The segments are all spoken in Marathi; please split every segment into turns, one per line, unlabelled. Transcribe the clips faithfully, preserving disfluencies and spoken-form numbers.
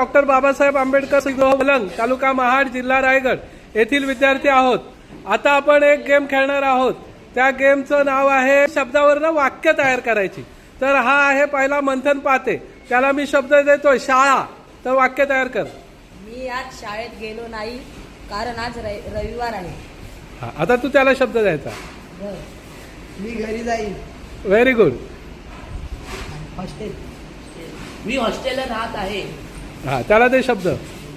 डॉक्टर बाबासाहेब आंबेडकर पलंग, तालुका महाड, जिल्हा रायगड येथील विद्यार्थी आहोत। आता आपण एक गेम खेळणार आहोत। त्या गेमचं नाव आहे शब्दावरनं वाक्य तयार करायची। तर हा आहे पहिला मंथन पाते, त्याला मी शब्द देतोय शाळा, तर वाक्य तयार कर।
मी आज शाळेत गेलो नाही कारण आज रविवार आहे।
हा, आता तू त्याला शब्द द्यायचा।
मी घरी जाईन।
Very good.
हॉस्टेल, मी हॉस्टेलला राहत आहे।
हा, त्याला दे शब्द।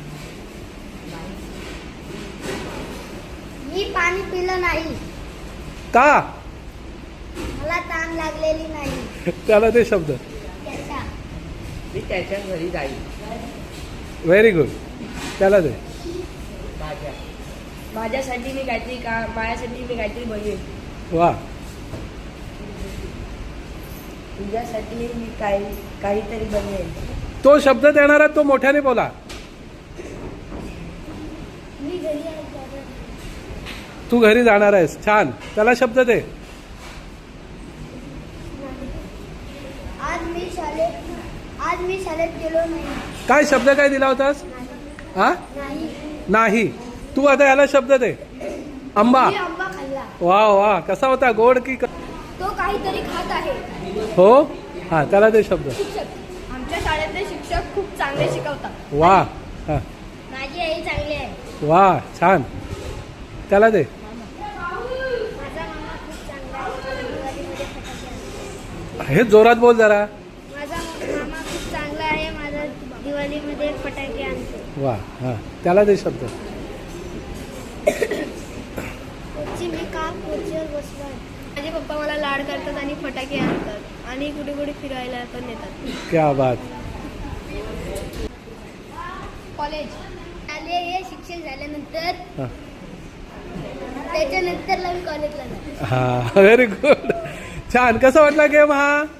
मी पाणी पिलं नाही,
का?
मला ताण लागलेली नाही।
त्याला दे शब्द।
त्याच्या,
मी त्याच्या घरी जाईन।
Very good. त्याला दे।
माझ्या, माझ्यासाठी मी काहीतरी का माझ्यासाठी मी काहीतरी बनवेन।
वा।
तुझ्यासाठी मी काही काहीतरी बनवेन।
तो शब्द देणारा तो मोठ्याने बोला।
मी घरी आहे दादा।
तू घरी जाणार आहेस, छान। त्याला शब्द दे।
आज मी शाळेत आज मी शाळेत गेलो नाही।
काय शब्द काय दिला होतास? हा,
नाही,
नाही। तू आता याला शब्द दे। आंबा।
मी आंबा खाल्ला।
वा वा, कसा होता, गोड की?
तो काहीतरी खात आहे।
हो, हा, त्याला दे शब्द।
शिक्षक, आमच्या शाळेतले शिक्षक खूप चांगले शिकवतात।
वा। हा,
माझी आई चांगली आहे।
वा, छान। त्याला दे।
माझा मामा खूप चांगला आहे, दिवाळीमध्ये फटाके आणतो।
हे जोरात बोल जरा।
माझा मामा खूप चांगला आहे, माझा दिवाळीमध्ये फटाके आणतो।
वा, हा, त्याला दे शब्द।
मी का खुर्चीवर बसलो आहे? माझे पप्पा मला लाड करतात आणि फटाके आणतात आणि कुठे कुठे फिरायला पण नेतात।
क्या बात।
कॉलेज आले, हे शिक्षण झाल्यानंतर
हा,
त्याच्यानंतर मी कॉलेजला जाते।
हा, व्हेरी गुड, छान। कसा वाटला गेम हा?